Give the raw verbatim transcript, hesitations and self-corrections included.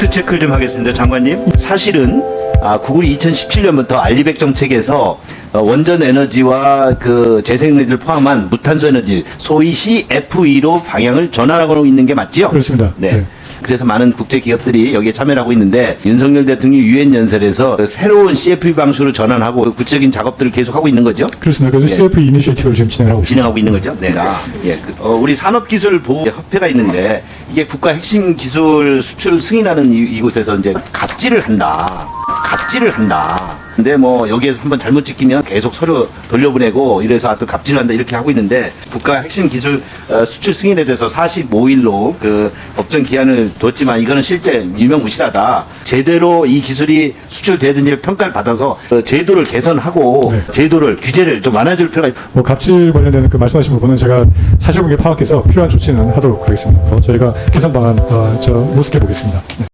팩트 체크를 좀 하겠습니다. 장관님. 사실은 아, 구글이 이천십칠 년부터 알리백 정책에서 어, 원전 에너지와 그 재생에너지를 포함한 무탄소 에너지, 소위 씨에프이로 방향을 전환하고 있는 게 맞지요? 그렇습니다. 네. 네. 그래서 많은 국제 기업들이 여기에 참여를 하고 있는데, 윤석열 대통령이 유엔 연설에서 그 새로운 씨에프이 방식으로 전환하고 그 구체적인 작업들을 계속 하고 있는 거죠? 그렇습니다. 그래서 예. 씨에프이 이니셔티브를 지금 진행하고 있습니다. 진행하고 있는 거죠. 네. 아, 예. 그, 어, 우리 산업기술보호협회가 있는데, 이게 국가 핵심 기술 수출 승인하는 이, 이곳에서 이제 갑질을 한다. 갑질을 한다. 근데 뭐 여기에서 한번 잘못 찍히면 계속 서류 돌려보내고 이래서 또 갑질한다 이렇게 하고 있는데, 국가 핵심 기술 어, 수출 승인에 대해서 사십오 일로 그 법정 기한을 뒀지만 이거는 실제 유명무실하다. 제대로 이 기술이 수출되든지 평가를 받아서 어, 제도를 개선하고 네. 제도를 규제를 좀 완화해줄 필요가 있다. 뭐 갑질 관련된 그 말씀하신 부분은 제가 사실관계 파악해서 필요한 조치는 하도록 하겠습니다. 어, 저희가 개선 방안 어, 저 모색해 보겠습니다. 네.